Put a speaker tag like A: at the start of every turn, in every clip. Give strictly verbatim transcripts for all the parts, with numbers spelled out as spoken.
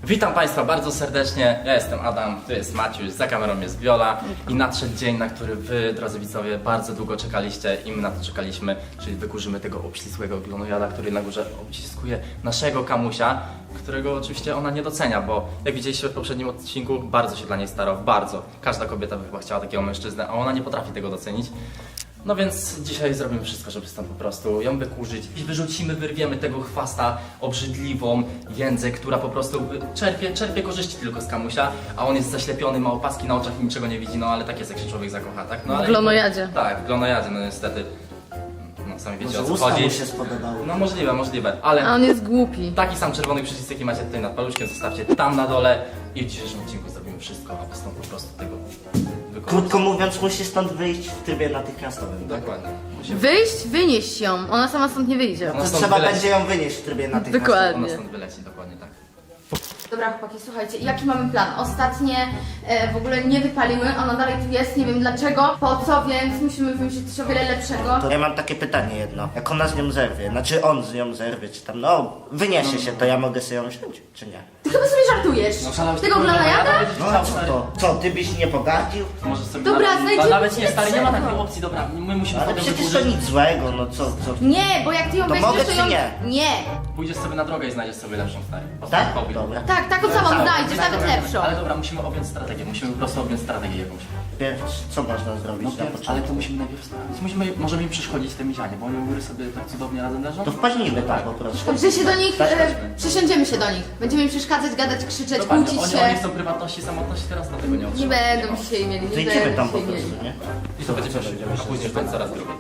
A: Witam Państwa bardzo serdecznie, ja jestem Adam, tu jest Maciuś, za kamerą jest Viola i nadszedł dzień, na który Wy, drodzy widzowie, bardzo długo czekaliście i my na to czekaliśmy, czyli wykurzymy tego obścisłego glonojada, który na górze obciskuje naszego Kamusia, którego oczywiście ona nie docenia, bo jak widzieliście w poprzednim odcinku, bardzo się dla niej starał, bardzo. Każda kobieta by chyba chciała takiego mężczyznę, a ona nie potrafi tego docenić. No więc dzisiaj zrobimy wszystko, żeby stąd po prostu ją wykurzyć i wyrzucimy, wyrwiemy tego chwasta, obrzydliwą jędzę, która po prostu czerpie, czerpie korzyści tylko z Kamusia, a on jest zaślepiony, ma opaski na oczach i niczego nie widzi, no ale tak jest, jak się człowiek zakocha, tak? No, ale
B: W glonojadzie.
A: Tak, w glonojadzie, no niestety. No sami wiecie,
C: Może
A: o co
C: usta
A: chodzi.
C: mu się spodobały.
A: No możliwe, możliwe, ale
B: A on jest głupi.
A: taki sam czerwony przycisk, jaki macie tutaj nad paluszkiem, zostawcie tam na dole i w dzisiejszym odcinku zrobimy wszystko, aby stąd po prostu tego wykorzystać.
C: Krótko mówiąc, musi stąd wyjść w trybie natychmiastowym.
A: Dokładnie. Musimy-
B: Wyjść, wynieść ją. Ona sama stąd nie wyjdzie.
A: Ona
C: To
A: stąd
C: trzeba
A: wyleci.
C: będzie ją wynieść w trybie natychmiastowym.
B: Dokładnie.
A: Ona stąd wyleci, dokładnie tak.
D: Dobra chłopaki, słuchajcie, jaki mamy plan? Ostatnie e, w ogóle nie wypaliły, ona dalej tu jest, nie wiem dlaczego, po co, więc musimy wymyślić coś o wiele lepszego.
C: To ja mam takie pytanie jedno. Jak ona z nią zerwie, znaczy on z nią zerwie, czy tam, no, wyniesie się, to ja mogę sobie ją wziąć, czy nie?
D: Ty chyba sobie żartujesz?
A: szalałeś
D: Tego
A: tylko,
D: glonojada?
C: No a co to? Co, ty byś nie pogardził?
A: Może sobie
D: Dobra,
A: nawet,
D: znajdziemy
A: nawet nie,
D: coś
A: stary, nie ma
D: lepszego.
A: takiej opcji, dobra, my musimy
C: Ale
A: potem
C: przecież to
A: wykurzyć.
C: nic złego, no co, co?
D: Nie, bo jak ty ją
C: To
D: weźmiesz,
C: mogę,
D: to
C: czy
D: ją...
C: nie?
D: Nie.
A: Pójdziesz sobie na drogę i znajdziesz sobie lepszą, stary.
C: Tak?
A: Powiedz.
C: Dobra.
D: Tak, taką samą znajdziesz, nawet lepszą.
A: Ale dobra, musimy objąć strategię, musimy po prostu objąć strategię jakąś.
C: Pierw, co można zrobić na
A: ale
C: początku?
A: to musimy najpierw sprawdzić. Musimy, możemy im przeszkodzić te mizianie, bo oni u góry sobie tak cudownie razem leżą.
C: To wpadnijmy tak po prostu.
D: Że się do nich,
C: Tak,
D: e,
A: chodźmy.
D: przysiądziemy się do nich. Będziemy im przeszkadzać, gadać, krzyczeć,
A: Dokładnie,
D: kłócić
A: oni,
D: się.
A: oni chcą prywatności, samotności, teraz na tego nie
D: Nie
A: otrzymają.
D: będą dzisiaj mieli,
C: To
D: nie
C: idziemy
D: będą
C: tam po
D: dzisiaj
C: prostu,
D: mieli.
C: nie?
A: I to będzie pierwszy, a później już będzie coraz drugi.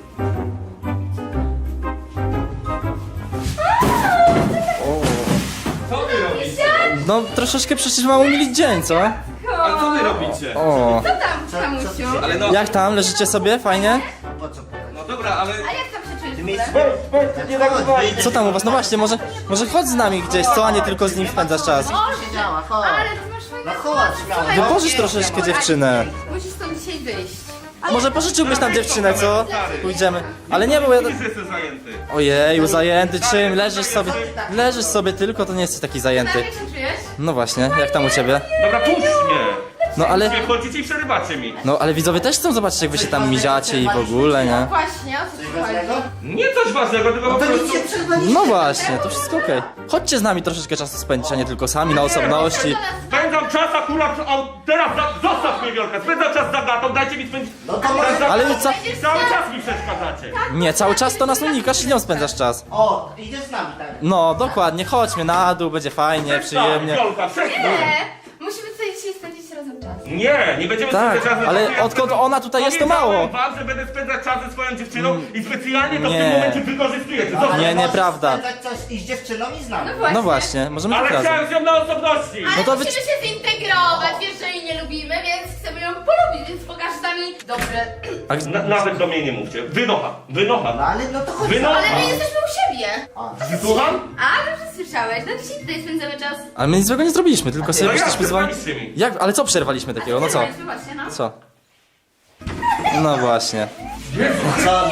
E: Co wy robicie?
F: No troszeczkę przecież mam umilić dzień, co?
E: Ale co wy robicie?
F: O.
D: Co tam, Kamusiu?
E: Ale no,
F: Jak tam? Leżycie sobie? Fajnie?
C: Po co?
E: no dobra, ale...
D: A jak tam się czujesz
C: Ty
D: w
C: miejsce...
D: ogóle?
F: Co tam u was? No właśnie, może, może chodź z nami gdzieś, co? A nie tylko z nim spędzasz czas.
C: Siedziała, chodź.
D: Ale ty masz fajne
C: No chodź, śmiało.
D: Słuchaj,
F: Wypożycz troszeczkę dziewczynę.
D: musisz stąd dzisiaj wyjść.
F: Może pożyczyłbyś nam dziewczynę, co? Pójdziemy. Ale nie, bo ja...
E: Widzisz, że jestem zajęty.
F: Ojeju, zajęty czym? Leżysz sobie... Leżysz sobie tylko, to nie jesteś taki
D: Tak,
F: zajęty.
D: jak się czujesz?
F: No właśnie, jak tam u ciebie?
E: Dobra, puść mnie!
F: No ale...
E: Nie chodzicie i przerywacie mi.
F: No ale widzowie też chcą zobaczyć, jak wy się tam miziacie i w ogóle, nie?
D: Właśnie, o co ci
C: Ważnego?
D: chodzi?
E: Nie coś ważnego, tylko po
C: To nic
E: prostu...
C: nie przerwaliście.
F: No właśnie, to wszystko okej. Chodźcie z nami troszeczkę czasu spędzić, a nie tylko sami na osobności.
E: Spędzam czas akurat, a teraz za... zostaw mnie Wiolka, spędzam czas za gatą, dajcie mi spędzić...
C: No to może...
E: Za-
F: Ale ca...
E: Cały czas mi przeszkadzacie.
F: Nie, cały czas to nas unikasz i nią spędzasz czas.
C: O, idziesz z nami, tak?
F: No, dokładnie, chodźmy na dół, będzie fajnie, przyjemnie.
E: Wiolka, przestań.
D: Nie, musimy tutaj dzisiaj spędzić razem czas.
E: Nie, nie będziemy
F: Tak,
E: spędzać czasu.
F: ale
E: Ja
F: odkąd
E: spędzam-
F: ona tutaj jest, to mało.
E: Powiedziałem wam, że będę spędzać czas ze swoją dziewczyną i specjalnie to w
F: nie.
E: tym momencie wykorzystujecie. Zobacz.
F: Nie,
C: Ale
F: nieprawda.
C: możesz spędzać coś i z dziewczyną i z nami.
F: No właśnie, możemy
E: Ale
F: tak razem.
E: chciałem z nią na osobności.
D: Ale
F: No to wy-
D: musimy się zintegrować, wiesz, że jej nie lubimy, więc chcemy ją polubić, więc pokaż nami dobre.
F: A,
E: Na, nawet do mnie nie mówcie. Wynocha, wynocha.
C: No ale no to chodź.
E: Wynocha.
D: Ale my jesteśmy u siebie.
E: Słucham?
D: A, dobrze słyszałeś, no dzisiaj tutaj spędzamy czas.
F: ale my nic złego nie zrobiliśmy, tylko sobie
E: No jak,
F: jesteśmy z wami...
E: przerwaliście mi.
F: Jak? Ale co przerwaliśmy takiego? No co?
D: Przerwaliśmy właśnie, no.
F: Co? No właśnie.
C: Co?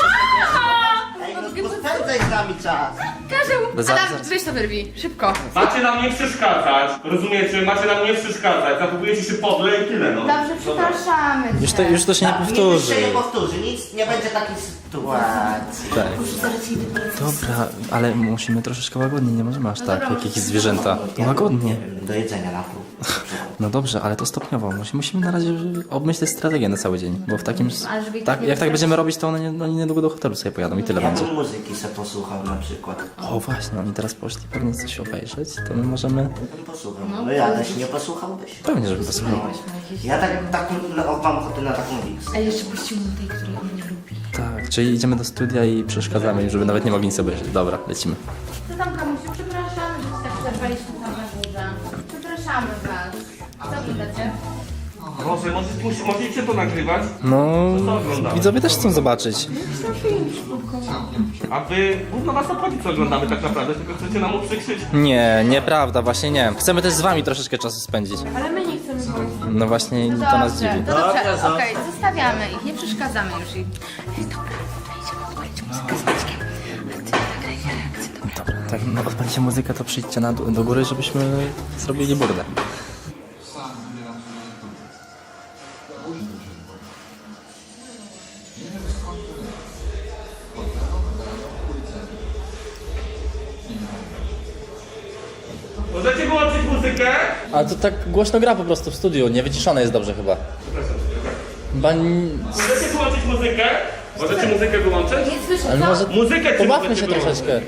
C: Ej, no spędzaj z nami czas.
D: Każę mu.
F: Za-
D: Adam,
F: za-
D: weź to wyrwij, szybko.
E: Macie nam nie przeszkadzać, rozumiecie? Macie nam nie przeszkadzać, zachowujecie się podle i tyle, no.
D: Dobrze, przepraszamy cię.
F: Już to, już to się nie
C: Tak, Nic
F: powtórzy.
C: się nie powtórzy, nic nie będzie takiej sytuacji.
F: Tak. Dobra, ale musimy troszeczkę łagodnie, nie możemy aż tak, jak jakieś zwierzęta. Łagodnie.
C: Do jedzenia na pół.
F: No dobrze, ale to stopniowo. Musi- Musimy na razie obmyśleć strategię na cały dzień, bo w takim...
D: Ale żeby ich
F: Tak,
D: nie
F: jak tak
D: wystraszyć.
F: będziemy robić, to one, nie, oni niedługo do hotelu sobie pojadą i tyle
C: Ja
F: będzie.
C: bym muzyki se posłuchał na przykład.
F: O właśnie, oni teraz poszli pewnie coś obejrzeć, to my możemy...
C: Ja bym posłuchał. No jadeś, nie posłuchałbyś.
F: Pewnie, żeby posłuchał.
C: Ja tak, tak no, mam ochotę na taką mix.
D: A jeszcze puścił mu tej, której on nie lubi.
F: Tak, czyli idziemy do studia i przeszkadzamy im, żeby nawet nie mogli nic obejrzeć. Dobra, lecimy.
D: Co tam, Kamusiu? Przepraszamy, że się tak przerwaliśmy tam na górze. Przepraszamy was. Co wydacie?
E: Może, możecie, możecie to nagrywać?
F: No,
E: Co oglądamy?
F: widzowie też chcą zobaczyć.
E: A wy, gówno was obchodzi co oglądamy tak naprawdę, tylko chcecie nam uprzykrzyć.
F: Nie, nieprawda, właśnie nie. Chcemy też z wami troszeczkę czasu spędzić.
D: Ale my nie chcemy było.
F: No właśnie, to nas
D: Dobrze,
F: dziwi.
D: to dobrze, okej, zostawiamy ich, nie przeszkadzamy już im. Ej, dobra, wejdźmy, odpalić muzykę z Maćkiem. A ty nagraj reakcję, dobra?
F: Dobra, to jak no, odpalicie muzykę, to przyjdźcie na, do góry, żebyśmy zrobili burdę.
E: Możecie wyłączyć muzykę?
F: A to tak głośno gra po prostu w studiu, nie wyciszone jest dobrze chyba. Bań...
E: Możecie wyłączyć muzykę? Możecie muzykę wyłączyć?
D: Nie słyszę,
F: Ale
D: co?
F: może
E: Muzykę czy
F: pobawmy
E: możecie
F: się
E: wyłączyć?
F: troszeczkę.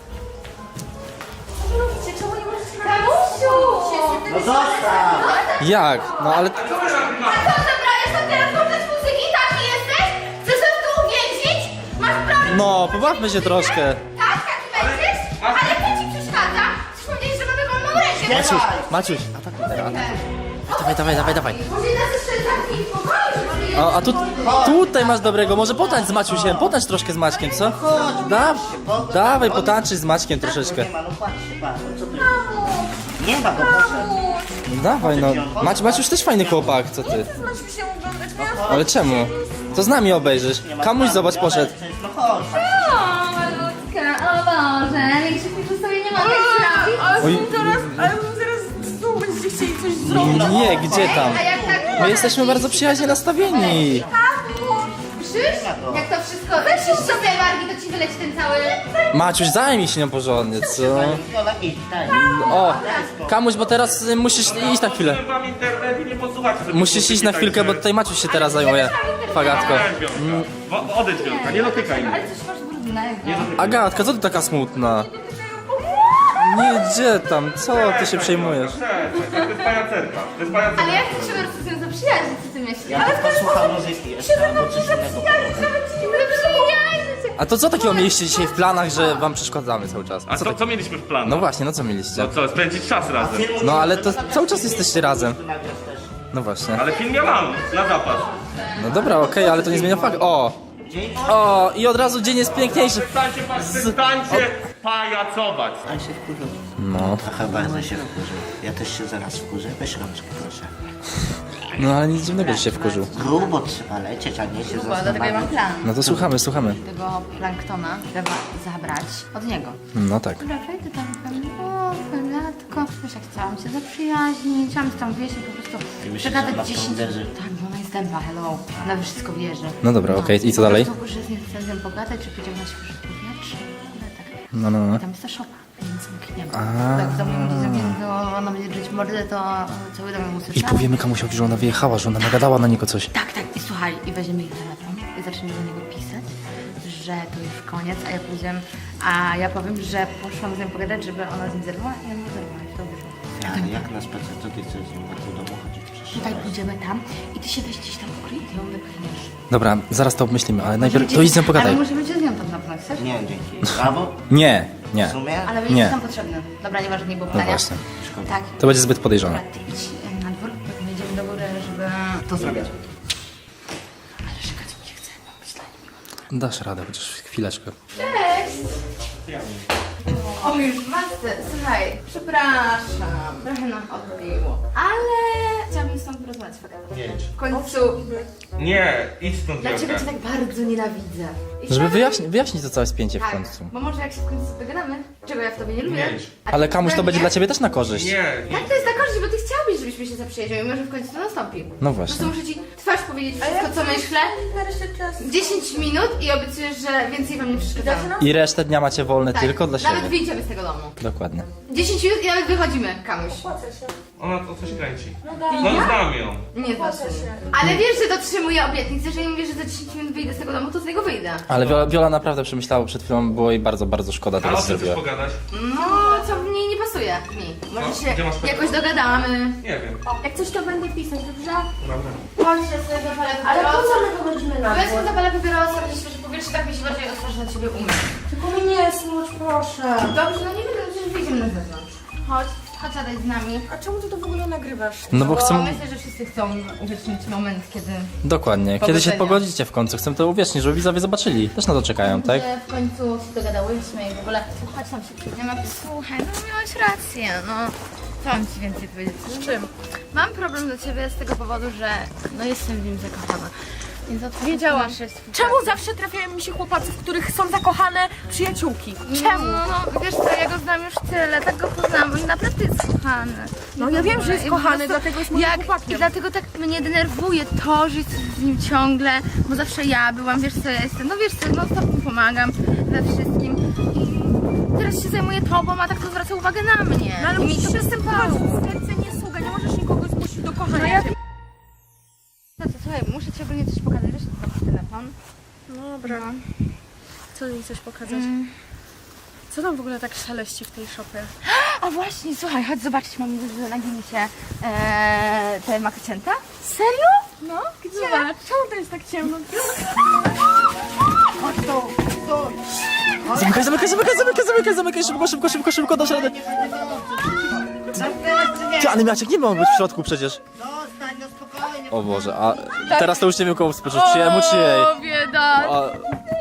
D: Czemu nie możesz na Kamusiu!
C: No zostaw!
F: Jak? No ale...
E: Co wy nagrywacie?
D: Co zabrałeś tam teraz włączać muzyki? Taki jesteś? Chcesz nas tu uwięzić? Masz prawo...
F: No, pobawmy się troszkę.
D: Tak, taki będziesz? Ale co ci przeszkadza? Chcesz powiedzieć, że mamy wolną rękę?
F: Maciuś, Maciuś, atakuj teraz, atakuj. Dawaj, dawaj, dawaj, dawaj.
D: Może nas jeszcze zamknij w pokoju, żeby je...
F: A, a tu, tutaj masz dobrego, może potańcz z Maciusiem, potańcz troszkę z Maćkiem, co? Da, dawaj, potańczyć z Maćkiem troszeczkę.
C: Nie ma, no patrzcie, patrz, no co tu jest? Nie ma go, poszedł.
F: No dawaj, no. Mać, Maciuś też fajny chłopak, co ty? Ale czemu? To z nami obejrzysz. Kamuś zobacz, poszedł.
C: No chodź.
D: O, malutka, o Boże, większych niż sobie nie mogę zrobić.
F: Oj,
G: Ale zaraz znowu będziecie chcieli coś zrobić.
F: nie, gdzie tam?
D: A jak tak...
F: My jesteśmy bardzo przyjaźnie nastawieni.
D: Krzyż? Jak to wszystko... Weź już sobie wargi, to ci wyleci ten cały...
F: Maciuś, zajmij się nią porządnie, co?
C: Viola, idź, daj.
F: O, Kamuś, bo teraz y, musisz iść na chwilę.
E: Wam internet i nie podsuwacie sobie
F: Musisz
E: muzyki
F: iść na chwilkę, bo
E: tańczymy.
F: tutaj Maciuś się teraz zajmuje. Fagatko.
E: Nie, Wiolka. Wo- Odejdź, Wiolka, nie dotykaj mnie.
D: Ale coś masz brudnego.
F: Agatka, co ty taka smutna? Nie, gdzie tam? Co ty się przejmujesz?
E: Cześć, to jest pajacerka. To jest pajacerka.
D: Ale jak ty się po prostu z nią zaprzyjaźnić, co ty myślisz?
C: Ja tylko słucham muzyki jeszcze, albo coś innego.
F: A to co takiego mieliście dzisiaj w planach, że wam przeszkadzamy cały czas?
E: A
F: Co
E: co,
F: tak...
E: co mieliśmy w planie?
F: No właśnie, no co mieliście?
E: No co, spędzić czas razem.
F: No ale to cały czas jesteście razem.
C: Nagrasz też.
F: No właśnie.
E: Ale film ja mam, na zapas.
F: No dobra, okej, ale to nie zmienia faktu. O! O! I od razu dzień jest piękniejszy.
E: Przestańcie, przestańcie pajacować.
C: On się wkurzył.
F: No.
C: Trochę bardzo się wkurzył. Ja też się zaraz wkurzę. Weź rączkę, proszę.
F: No ale nic dziwnego, że się wkurzył.
C: Grubo trzeba lecieć, a nie się
B: Bo dlatego ja mam
C: zastanawiać.
B: plan.
F: No to słuchamy, słuchamy.
B: Tego planktona trzeba zabrać od niego.
F: No tak.
B: Dobra, wejdę tam i powiem, o, Felatko, wiesz, jak chciałam się zaprzyjaźnić, chciałam się tam wieść i po prostu
C: Ty myślisz, że ona
B: przegadać
C: w to
B: dziesięć...
C: uderzy?
B: Tak, bo ona jest dęba, hello. Ona we wszystko wierzy.
F: No dobra, okej, i co dalej?
B: Po prostu, że z nim chcę z nią pogadać, czy pójdziemy na świeże powietrze. Ale tak.
F: No, no, no.
B: Tam jest ta szopa, więc zamkniemy.
F: A.
B: Tak, w domu będzie zamknięty, ona będzie drzeć mordę, to cały dom ją
F: I
B: usłyszał.
F: powiemy Kamusiowi, że ona wyjechała, że ona nagadała na niego coś.
B: Tak, tak, i słuchaj, i weźmiemy ich telefon i zaczniemy do niego pisać, że to już koniec, a ja powiedziałem, a ja powiem, że poszłam z nią pogadać, żeby ona z nim zerwała i ona zerwała i to wyszło.
C: Ale jak na spacer, co ty chcesz z nim do domu chodzić? Przecież
B: Tutaj pójdziemy tam i ty się weź gdzieś tam ukryj i ją wypchniesz.
F: Dobra, zaraz to obmyślimy, ale najpierw
B: Możemy
F: to
B: cię-
F: idź z nią pogadaj.
B: Ale możemy cię z nią tam napchnąć, chcesz?
C: Nie, dzięki. Albo
F: Nie, nie.
C: w sumie?
B: Ale
F: Nie.
B: będziesz tam potrzebny. Dobra, nieważne, nie było
F: No
B: pytania.
F: właśnie.
B: Tak.
F: To będzie zbyt podejrzane.
B: Dobra, ty idź e, na dwór, potem jedziemy do góry, żeby to zrobić. Ale czekać mi się chce, mam być dla niej miło.
F: Dasz radę, chociaż chwileczkę.
D: Cześć! O, już masce. Słuchaj, przepraszam, trochę nam odbiło, ale chciałabym z tobą porozmawiać, Fagata.
E: Jedź.
D: W końcu,
E: Nie, idź stąd,
D: dlaczego
E: Wiolka.
D: cię tak bardzo nienawidzę? I
F: Żeby
D: chciałabym-
F: wyjaśnić, wyjaśnić to całe spięcie w
D: Tak,
F: końcu.
D: bo może jak się w końcu dogadamy, czego ja w tobie nie lubię.
E: Jedź.
D: a
F: Ale
D: ty
F: Kamuś to
D: we
F: będzie
D: mnie.
F: dla ciebie też na korzyść.
E: Nie,
D: Jak
E: nie.
D: to jest na korzyść, bo ty chciałbyś, żebyśmy się zaprzyjaźnili, może w końcu to nastąpi.
F: No
D: Po
F: właśnie.
D: prostu muszę ci twarz powiedzieć wszystko, co myślę. dziesięć minut i obiecujesz, że więcej wam nie przeszkadzamy.
F: I resztę dnia macie wolne
D: Tak,
F: tylko dla
D: nawet
F: siebie.
D: wyjdziemy z tego domu.
F: Dokładnie.
D: dziesięć minut i nawet wychodzimy, Kamuś.
E: Ona to coś kręci. No znam ją.
D: Nie znaczy. Ale wiesz, że dotrzymuję obietnicy, jeżeli mówię, że za dziesięć minut wyjdę z tego domu, to z niego wyjdę.
F: Ale Wiola, Wiola naprawdę przemyślała przed chwilą, było jej bardzo, bardzo szkoda
E: Ale
F: tego,
E: o
F: co
E: czym chcesz
F: zrobiła.
E: pogadać?
D: No, co w niej nie pasuje mi. Może
E: No,
D: się
E: gdzie masz telefon?
D: jakoś dogadamy.
E: Nie wiem.
G: Jak coś to będę pisać, dobrze?
E: Dobra.
D: Chodź, ja sobie zapalę
G: Ale po
D: papierosa.
G: co my wychodzimy na
D: Bo ja sobie
G: dwór?
D: zapalę papierosa, gdzieś świeże powietrze, tak mi się bardziej otworzy na ciebie umysł.
G: Tylko mi nie smuć, proszę.
D: Dobrze, no nie wiem, przecież wyjdziemy na zewnątrz. Chodź, chodź zadaj z nami.
G: A czemu ty to w ogóle nagrywasz?
F: No bo chcę...
D: myślę, że wszyscy chcą uwiecznić moment, kiedy...
F: Dokładnie. Kiedy się
D: Powodzenia.
F: pogodzicie w końcu, chcę to uwiecznić, żeby widzowie zobaczyli. Też na to czekają, tak?
D: Że w końcu się dogadałyśmy i w ogóle... Chodź tam się przyjdziemy. Słuchaj, no miałaś rację, no. Co mam ci więcej powiedzieć? Z czym? Mam problem do ciebie z tego powodu, że no jestem w nim zakochana.
G: Wiedziałam.
B: Nasze jest
G: Czemu zawsze trafiają mi się chłopacy, w których są zakochane przyjaciółki?
B: Czemu? No, wiesz co, ja go znam już tyle, tak go poznałam, bo naprawdę jest kochany.
G: No ja wiem, że jest
B: I po
G: kochany,
B: prostu
G: dlatego jest moim
B: jak, I
G: chłopakiem.
B: dlatego tak mnie denerwuje to, że jest z nim ciągle, bo zawsze ja byłam, wiesz co ja jestem, no wiesz co, no stop mu pomagam we wszystkim. I teraz się zajmuję tobą, a tak to zwraca uwagę na mnie.
G: No ale
B: I mi
G: musisz
B: to
G: się
B: przystępowało.
G: występować, serce nie sługa, nie możesz nikogo zmusić do kochania.
B: No ja... No to słuchaj, muszę ci ogólnie coś pokazać, wiesz, to telefon.
G: Dobra. Co mi chcesz pokazać? Co tam w ogóle tak szeleści w tej szopie?
B: A właśnie, słuchaj, chodź zobaczyć, mam na gimicie eee, te makocięta. Serio?
G: No, gdzie? Zobacz, czemu to jest tak ciemno?
F: Zamykaj, zamykaj, zamykaj, zamykaj, zamykaj, zamykaj, szybko, szybko, szybko, szybko, do środka. Ty, ale Maciek nie ma być w środku przecież.
C: Zostań, no spokojnie.
F: O Boże, a teraz to już nie wiem komu współczuć, czy jemu, czy jej.
B: O, bieda!
F: A...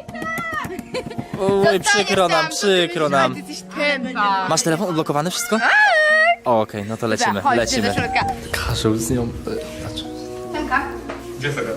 F: Oj, przykro nam, przykro nam.
B: Ty jesteś tępa.
F: Masz telefon odblokowany, wszystko? O, okej, no to lecimy,
B: Chodź,
F: lecimy.
B: do środka.
F: Karzeł z nią... e, znaczy-
B: Tęka.
E: Gdzie sobie?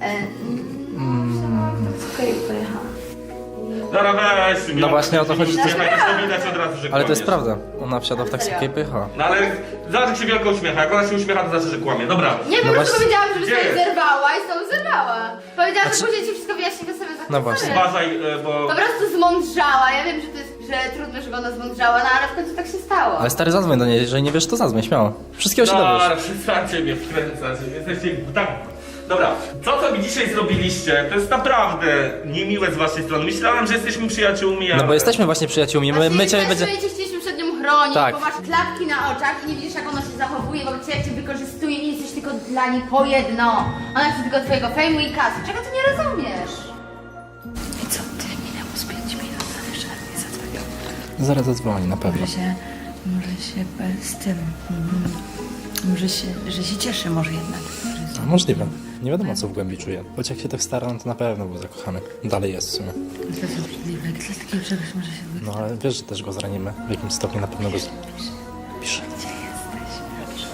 B: Okej, pojechała.
E: Dobra, weź.
F: No właśnie o to chodzi,
E: Nie
F: to jest-
E: to widać od razu, że
F: Ale to jest
E: kłamiesz.
F: prawda, ona wsiadła w taksówkę i pojechała.
E: No ale zobacz jak się wielko uśmiecha. Jak ona się uśmiecha, to znaczy, że kłamie. Dobra.
D: Nie, po
F: No
D: prostu
F: właśnie-
D: powiedziałam, żeby
E: Gdzie
D: sobie
E: jest?
D: zerwała i z tobą zerwała. Powiedziałam, że
F: Znaczy-
D: później ci wszystko wyjaśni, to sobie za
F: No właśnie.
E: Uważaj, e, bo...
D: Po prostu zmądrzała. Ja wiem, że to jest, że trudno, żeby ona zmądrzała, no ale w końcu tak się stało.
F: Ale stary, zadzwoń do niej, jeżeli nie wiesz, to zadzwoń, śmiało. Wszystkiego się dowiesz.
E: Dobra, przestańcie mnie wkręcać. Jesteście tak... Dobra, co co mi dzisiaj zrobiliście, to jest naprawdę niemiłe z waszej strony. Myślałem, że jesteśmy przyjaciółmi, ale...
F: No bo jesteśmy właśnie przyjaciółmi, my, my
D: Właśnie
F: ciebie
D: też
F: będzie...
D: cię chcieliśmy przed nią chronić,
F: Tak.
D: bo masz klapki na oczach i nie widzisz, jak ona się zachowuje wobec ciebie, jak cię wykorzystuje i jesteś tylko dla niej po jedno. Ona chce tylko twojego fejmu i kasy. Czego ty nie rozumiesz?
B: I co, ty minęło z pięć minut, ale jeszcze nie zadzwonił.
F: Zaraz zadzwoni, na pewno.
B: Może się, może się e, z tym, mm, może się, że się cieszy może jednak. że-
F: A, możliwe. Nie wiadomo, co w głębi czuje. Choć jak się tak stara, no to na pewno był zakochany. Dalej jest w sumie.
B: To jest obrzydliwe, jak to jest takiego czegoś może się wydarzyć.
F: No ale wiesz, że też go zranimy. W jakimś stopniu na pewno go... z- Pisze.
B: Gdzie jesteś?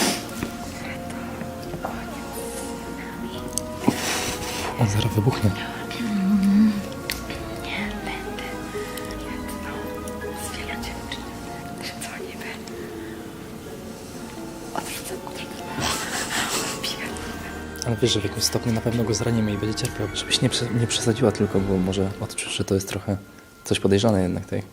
F: On zaraz wybuchnie.
B: Nie, będę. No, z wielu dziewczyn. Dzwonimy. Odrzucam, odrzucam.
F: Ale wiesz, że w jakimś stopniu na pewno go zranimy i będzie cierpiał. Żebyś nie, prze, nie przesadziła tylko, bo może odczuć, że to jest trochę coś podejrzane jednak tej.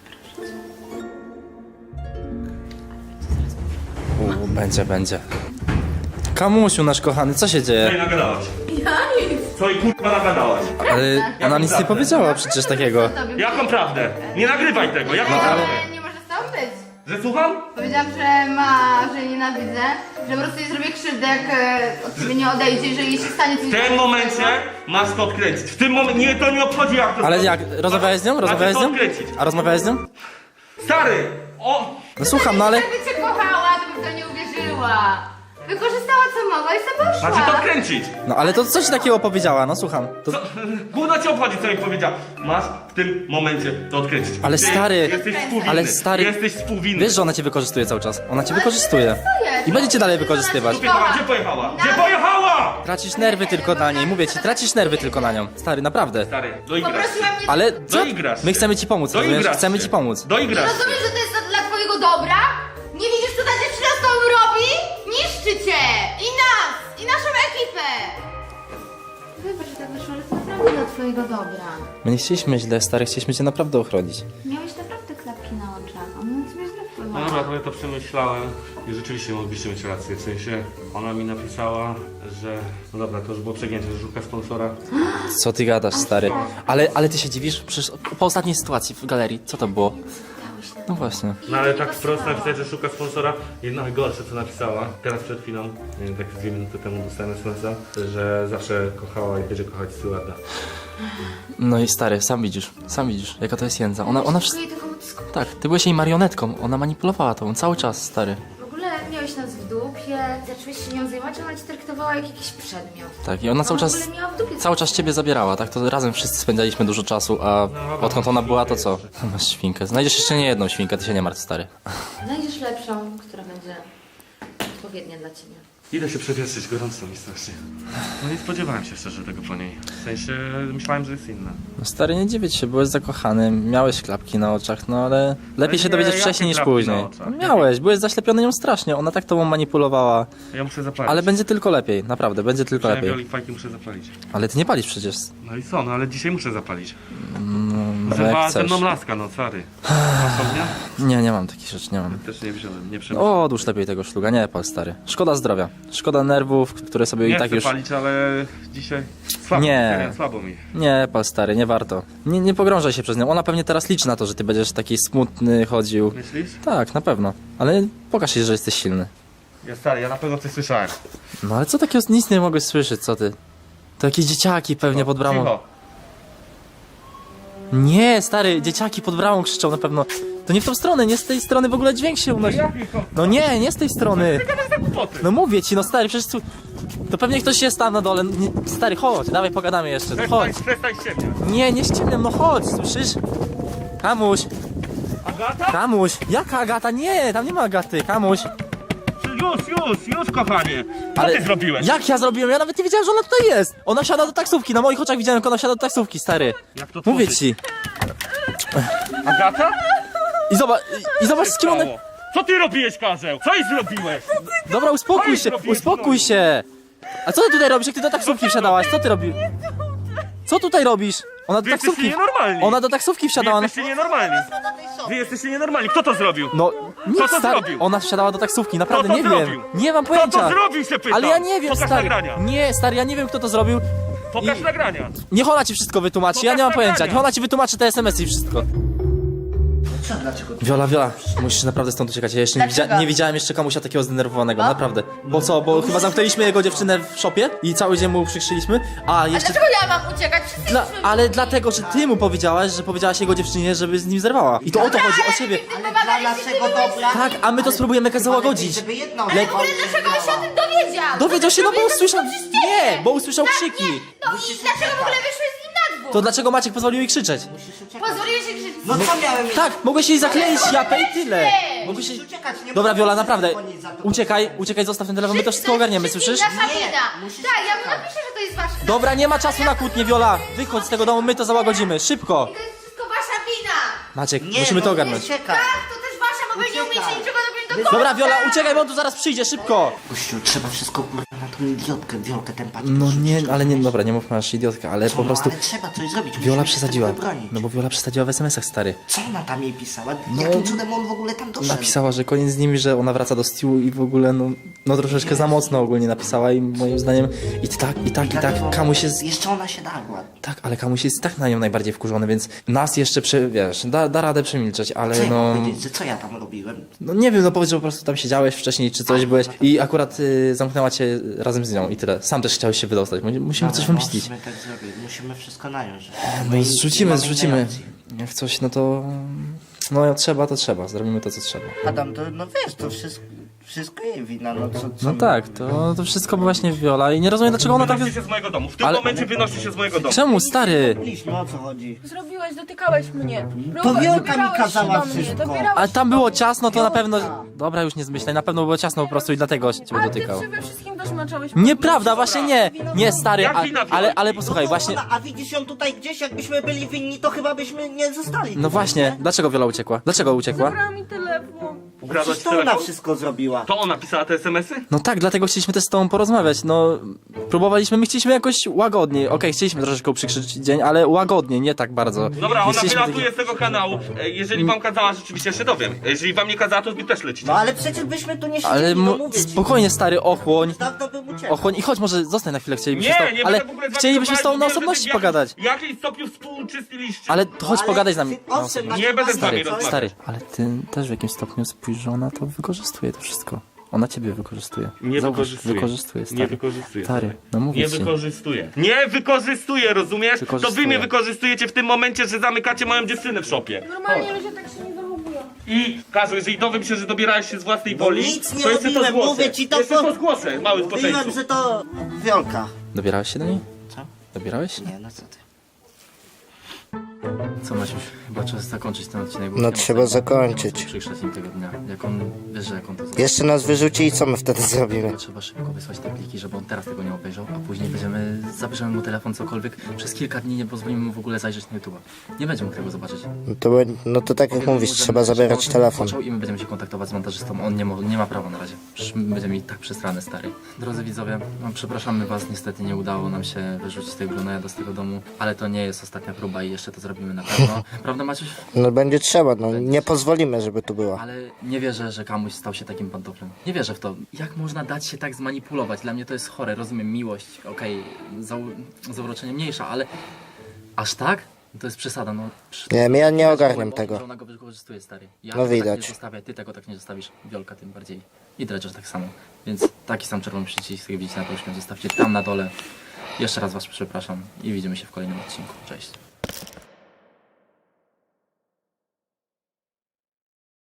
F: U, będzie, będzie. Kamusiu, nasz kochany, co się
E: Co
F: dzieje?
E: jej nagadałaś? Ja nic. Co jej kurwa nagadałaś?
F: Ale ona nic nie powiedziała przecież takiego.
E: Jaką prawdę? Nie nagrywaj tego, jaką prawdę?
D: Ale nie może z tobą być.
E: Że słucham?
D: Powiedziałam, że ma, że jej nienawidzę, że po prostu jej zrobię krzywdę, jak e, od ciebie nie odejdzie, że jej się stanie coś
E: W tym momencie masz to odkręcić. W tym momencie, nie, to nie obchodzi jak to
F: Ale
E: zrobić.
F: jak, rozmawiałeś z nią? Rozmawiałeś z
E: Macie
F: nią?
E: to odkręcić.
F: A rozmawiałeś z nią?
E: Stary! O!
F: No słucham, no ale...
D: Jakby cię kochała, to by w to nie uwierzyła. Wykorzystała co mogła i sobie poszła.
E: Macie to odkręcić.
F: No ale to co ci takiego powiedziała? No słucham. To...
E: Co? Gówno cię obchodzi, co jej powiedział. Masz w tym momencie to odkręcić.
F: Ale
E: Ty
F: stary,
E: Jesteś współwinny.
F: ale stary-
E: Jesteś współwinny.
F: Wiesz, że ona cię wykorzystuje cały czas. Ona cię wykorzystuje. I będzie cię dalej wykorzystywać.
E: Gdzie pojechała? Gdzie pojechała? Gdzie pojechała?
F: Tracisz nerwy tylko na niej, mówię ci, tracisz nerwy tylko na nią. Stary, naprawdę.
E: Stary, doigrasz.
D: Poprosiła mnie...
F: Ale co?
E: Doigrasz
F: My
E: się.
F: chcemy ci pomóc, rozumiesz?
E: Doigrasz
F: Chcemy
E: się.
F: ci pomóc.
E: Doigrasz.
D: Rozumiesz, że to jest dla twojego dobra? Nie widzisz, co ta dziewczyna z tobą robi? Niszczy cię! I nas! I naszą ekipę! Wybacz, że tak wyszło, ale to naprawdę dla twojego dobra.
F: My nie chcieliśmy źle, stary, chcieliśmy cię naprawdę ochronić.
D: Miałeś naprawdę klapki na oczach. On na ciebie źle
E: No
D: wpływał.
E: dobra, trochę to przemyślałem i rzeczywiście mogliście mieć rację. W sensie ona mi napisała, że... No dobra, to już było przegięcie, że szuka sponsora.
F: Co ty gadasz, stary? Ale, ale ty się dziwisz? Przecież po ostatniej sytuacji w galerii, co to było? No właśnie.
E: No ale tak wprost napisać, że szuka sponsora. Jedno najgorsze, co napisała, teraz przed chwilą, nie wiem, tak z dwie minuty temu dostałem es em es a, że zawsze kochała i będzie kochać Stewarda.
F: No i stary, sam widzisz, sam widzisz, jaka to jest jędza. Ona, ona wszystko...
D: Szukuje tylko ucisku.
F: Tak, ty byłeś jej marionetką, ona manipulowała tobą cały czas, stary.
D: W ogóle miałeś nas w dupie, zacząłeś się nią zajmować, ona ci traktowała jak jakiś przedmiot.
F: Tak, i ona cały
D: Ona
F: czas...
D: w ogóle miała w dupie.
F: Cały czas ciebie zabierała, tak? To razem wszyscy spędzaliśmy dużo czasu, a odkąd ona była, to co? Masz świnkę. Znajdziesz jeszcze nie jedną świnkę, ty się nie martw, stary.
D: Znajdziesz lepszą, która będzie odpowiednia dla ciebie.
E: Idę się przewietrzyć, gorąco mi strasznie. No nie spodziewałem się szczerze tego po niej. W sensie myślałem, że jest inna.
F: No stary, nie dziwię się, byłeś zakochany, miałeś klapki na oczach, no ale lepiej
E: Ale
F: się
E: nie,
F: dowiedzieć
E: jakie
F: wcześniej niż
E: klapki
F: później.
E: na oczach?
F: No miałeś, byłeś zaślepiony nią strasznie, ona tak tobą manipulowała.
E: Ja muszę zapalić.
F: Ale będzie tylko lepiej, naprawdę, będzie tylko
E: Wziąłem
F: lepiej.
E: wioli fajki, muszę zapalić.
F: Ale ty nie palisz przecież.
E: No i co, no ale dzisiaj muszę zapalić.
F: No,
E: Zerwała
F: jak
E: ze
F: chcesz.
E: mną laska, no cary. Masz ognia?
F: Nie, nie mam takich rzeczy, nie mam.
E: Też nie wziąłem, nie przemyślałem.
F: O, odłóż lepiej tego szluga, nie pal stary. Szkoda zdrowia, szkoda nerwów, które sobie
E: Nie
F: i tak
E: chcę
F: już...
E: palić, ale dzisiaj słabo,
F: Nie.
E: serio, słabo mi.
F: Nie, pal stary, nie warto. Nie, nie pogrążaj się przez nią, ona pewnie teraz liczy na to, że ty będziesz taki smutny chodził.
E: Myślisz?
F: Tak, na pewno. Ale pokaż się, że jesteś silny.
E: Ja stary, ja na pewno coś słyszałem.
F: No ale co takiego, nic nie mogłeś słyszeć, co ty? To jakieś dzieciaki pewnie pod bramą.
E: Cicho.
F: Nie, stary, dzieciaki pod bramą krzyczą na pewno. To nie w tą stronę, nie z tej strony w ogóle dźwięk się unosi. No nie, nie z tej strony. No mówię ci, no stary, przecież tu... To pewnie ktoś jest tam na dole. Nie, stary, chodź, dawaj pogadamy jeszcze, no chodź.
E: Przestań, przestań się mnie.
F: Nie, nie ściemniam, no chodź, słyszysz? Kamuś,
E: Agata?
F: Kamuś, jaka Agata? Nie, tam nie ma Agaty, Kamuś.
E: Już, już, już kochanie. Co
F: Ale
E: ty zrobiłeś?
F: Jak ja zrobiłem? Ja nawet nie wiedziałem, że ona tutaj jest. Ona wsiada do taksówki, na moich oczach widziałem, jak ona wsiada do taksówki, stary.
E: Jak to
F: Mówię
E: tworzyć?
F: ci.
E: Agata?
F: I zobacz, i zobacz z kim ona...
E: Stało. Co ty robiłeś, Karzeł? Co jej zrobiłeś?
F: Dobra, uspokój
E: Oj,
F: się,
E: zrobiłem
F: uspokój
E: znowu.
F: się. A co ty tutaj robisz, jak ty do taksówki wsiadałaś? Co ty robisz? Co tutaj robisz? Ona do
E: Wy jesteście
F: taksówki...
E: nienormalni.
F: Ona do taksówki
E: Wy
F: wsiadała. No,
E: jesteście nienormalni. Wy jesteście nienormalni. Kto to zrobił?
F: no nic,
E: to
F: stary.
E: zrobił?
F: Ona wsiadała do taksówki, naprawdę
E: to
F: nie
E: zrobił?
F: wiem. Nie mam
E: Kto to
F: pojęcia.
E: zrobił, się pytam?
F: Ale ja nie wiem,
E: Pokaż
F: stary.
E: nagrania.
F: Nie, stary, ja nie wiem, kto to zrobił.
E: Pokaż
F: I-
E: nagrania.
F: Niech ona ci wszystko wytłumaczy, ja nie mam
E: Pokaż
F: pojęcia.
E: nagrania.
F: Niech ona ci wytłumaczy te es em esy i wszystko.
C: Co, dlaczego?
F: Wiola, Wiola, musisz naprawdę stąd uciekać. Ja jeszcze nie,
D: Dlaczego?
F: widzia nie widziałem jeszcze komuś takiego zdenerwowanego, naprawdę. Bo co, bo chyba zamknęliśmy jego dziewczynę w szopie i cały dzień mu przykrzyliśmy, a
D: A
F: jeszcze...
D: dlaczego ja mam uciekać? Wszyscy
F: Dla,
D: jesteśmy
F: ale
D: w
F: dlatego, że ty mu powiedziałaś, że powiedziałaś jego dziewczynie, żeby z nim zerwała. I to o to chodzi, o siebie.
C: Ale dla naszego dobra...
F: Tak, a my to spróbujemy jakoś załagodzić.
C: Żeby jedno...
D: Ale w ogóle dlaczego on się o tym dowiedział?
F: Dowiedział się, no bo
D: Robię to
F: usłyszał...
D: tylko przez ciebie.
F: Nie, bo usłyszał
D: Tak,
F: krzyki.
D: nie. No i dlaczego w ogóle wyszłeś z nim na dwór?
F: To dlaczego Maciek pozwolił jej krzyczeć?
D: Pozwoliłeś się krzyczeć.
C: No co miałem...
F: Tak, mogłeś jej zakleić japę i tyle. Mogłeś jej...
C: uciekać, nie
F: Dobra,
C: mogę
F: Wiola,
C: się
F: naprawdę.
C: dzwonić za to.
F: Uciekaj, uciekaj, zostaw ten telefon, my to wszystko ogarniemy, słyszysz?
D: Nasza wina.
C: musisz
D: Tak, ja mu
C: czekać.
D: napiszę, że to jest wasza wina.
F: Dobra, nie ma czasu na kłótnię, Wiola. Wychodź z tego domu, my to załagodzimy, szybko.
D: To jest wszystko wasza wina.
F: Maciek,
C: Nie,
F: musimy to
C: no,
F: ogarnąć.
C: Uciekaj.
D: Tak, to też wasza, bo wy nie
C: Uciekaj.
D: umiecie niczego dopiąć do końca.
F: Dobra, Wiola, uciekaj, bo on tu zaraz przyjdzie, szybko.
C: Gościu, trzeba wszystko kurwa na tą idiotkę, Wiolkę, ten patrz.
F: No nie, ale nie, dobra, nie mów masz idiotka, ale po prostu...
C: Ale trzeba coś zrobić.
F: Viola
C: musimy się
F: przesadziła.
C: tego wybronić.
F: No bo Viola przesadziła w es em esach, stary.
C: Co ona tam jej pisała?
F: No,
C: Jakim cudem on w ogóle tam doszedł?
F: Napisała, że koniec z nimi, że ona wraca do Stew i w ogóle no, no troszeczkę za mocno ogólnie napisała i moim zdaniem i tak, i tak, i tak,
C: Dlatego
F: Kamuś jest...
C: Jeszcze ona się dagła.
F: Tak, ale Kamuś jest tak na nią najbardziej wkurzony, więc nas jeszcze, prze, wiesz, da, da radę przemilczeć, ale
C: Co ja
F: no...
C: mam powiedzieć, że co ja tam robiłem?
F: No nie wiem, no powiedz, że po prostu tam siedziałeś wcześniej, czy coś byłeś i akurat y, zamknęła cię razem z nią i tyle. Sam też chciałeś się wydostać, Mu- musimy coś
C: Dobra,
F: wymyślić.
C: Musimy tak zrobić, musimy wszystko nająć.
F: No zrzucimy,
C: mamy
F: zrzucimy.
C: innej opcji.
F: Jak coś, no to... No jak trzeba, to trzeba, zrobimy to, co trzeba.
C: Adam, to no wiesz, to wszystko, wszystko jej wina, no co, co
F: No tak, to, to wszystko właśnie Viola i nie rozumiem, dlaczego ona tak...
E: Wynoście się z mojego domu. W tym
F: Ale-
E: momencie wynoście się z mojego domu.
F: Czemu, stary?
C: Robiliśmy, o co chodzi?
G: Zrobiłeś, dotykałeś mnie.
C: To Wiolka mi
G: dobierałeś
C: kazała
G: się do mnie,
C: wszystko.
G: dobierałeś
F: Ale tam
G: się do
F: było
G: mnie.
F: ciasno, to na
C: Wiolka.
F: pewno... Dobra, już nie zmyślaj, na pewno było ciasno po prostu i dlatego cię
G: Ale ty
F: dotykał.
G: przede wszystkim też maczałeś.
F: Nieprawda, właśnie nie! Nie, stary,
E: Jak
F: a,
E: wina
F: ale, ale
E: Wiolki?
F: posłuchaj, właśnie...
C: A widzisz ją tutaj gdzieś, jakbyśmy byli winni, to chyba byśmy nie zostali.
F: No właśnie, dlaczego Viola uciekła? Dlaczego uciekła?
G: Zabrała mi telefon.
E: Ukradłaś
C: Przecież to ona
E: telefon?
C: wszystko zrobiła.
E: To ona pisała te es em esy?
F: No tak, dlatego chcieliśmy też z tobą porozmawiać, no... Próbowaliśmy, my chcieliśmy jakoś łagodniej, okej, chcieliśmy troszeczkę uprzykrzyć dzień, ale łagodnie, nie tak bardzo.
E: Dobra,
F: Nie
E: ona
F: chcieliśmy
E: wylatuje z tego kanału. E, Jeżeli wam kazała, rzeczywiście się dowiem. E, Jeżeli wam nie kazała, to wy też lecicie.
C: No ale przecież byśmy tu nie
F: Ale
C: siedzieli, no
F: mu...
C: mówię ci.
F: spokojnie, stary, ochłoń.
C: Dawno bym uciekł.
F: Ochłoń i chodź, może zostań na chwilę, chcielibyśmy z
E: Nie,
F: tobą,
E: nie
F: ale
E: będę w ogóle z wami
F: chcielibyśmy z tobą na
E: rozmawiać,
F: osobności
E: w jakim-
F: pogadać.
E: W jakim stopniu współuczestniczyliście?
F: Ale chodź,
C: Ale
F: pogadaj z nami.
C: ty-
F: na
C: owszem,
F: osobności.
E: Nie będę z wami
F: Stary,
E: rozmawiać.
F: stary, ale ty też w jakimś stopniu spójrz, że ona to wykorzystuje to wszystko. Ona ciebie wykorzystuje.
E: Nie
F: Zauważ,
E: wykorzystuje.
F: wykorzystuje, stary.
E: Nie wykorzystuje.
F: Stary, no mówię
E: Nie
F: ci.
E: wykorzystuje. Nie wykorzystuje, rozumiesz? To wy
F: Wykorzystuje.
E: mnie wykorzystujecie w tym momencie, że zamykacie moją dziewczynę w szopie.
G: Normalnie ludzie tak się nie zachowują.
E: I Kazu, jeżeli dowiem się, że dobierałeś się z własnej woli,
C: nic nie
E: to jeszcze to
C: robiłem,
E: zgłoszę.
C: mówię ci, to
E: jeszcze
C: po-
E: to zgłoszę, mały
C: Mówiłem,
E: spoczęciu.
C: że to Wiolka.
F: Dobierałeś się do niej?
C: Co?
F: Dobierałeś się?
C: Nie, no co ty.
A: Co Maciuś, chyba czas zakończyć ten odcinek. bo
C: No
A: nie ma
C: trzeba
A: sensu-
C: zakończyć.
A: Nie ma sensu przykrzyć im tego dnia. Jak on, wiesz, że jak on to zrobi.
C: Jeszcze nas wyrzuci i co my wtedy zrobimy?
A: To trzeba szybko wysłać te pliki, żeby on teraz tego nie obejrzał, a później będziemy, zabierzemy mu telefon, cokolwiek. Przez kilka dni nie pozwolimy mu w ogóle zajrzeć na YouTube'a. Nie będzie mógł tego zobaczyć.
C: No to, be- no to tak jak
A: Powiemy mu,
C: mówisz,
A: że
C: trzeba
A: my-
C: zabierać
A: że on
C: telefon.
A: zaczął I my będziemy się kontaktować z montażystą. On nie, mo- nie ma prawa na razie. Przecież my będziemy mieli tak przesrane, stary. Drodzy widzowie, no, przepraszamy was, niestety nie udało nam się wyrzucić tego glonojada z tego domu, ale to nie jest ostatnia próba i jeszcze to zrobimy na pewno. Prawda Maciuś?
C: No będzie trzeba, no nie pozwolimy, żeby tu była.
A: Ale nie wierzę, że Kamuś stał się takim pantoflem. Nie wierzę w to. Jak można dać się tak zmanipulować? Dla mnie to jest chore. Rozumiem miłość, okej, zau- zauroczenie mniejsza, ale aż tak? To jest przesada, no. Przy-
C: Nie, ja nie
A: Widać
C: ogarniam
A: było,
C: tego.
A: Że ona go wykorzystuje, stary. Ja
C: No
A: tego
C: widać.
A: tak nie zostawię, ty tego tak nie zostawisz. Wiolka tym bardziej. I Dredger tak samo. Więc taki sam czerwony przycisk, jak widzicie na prośbę, zostawcie tam na dole. Jeszcze raz was przepraszam i widzimy się w kolejnym odcinku. Cześć.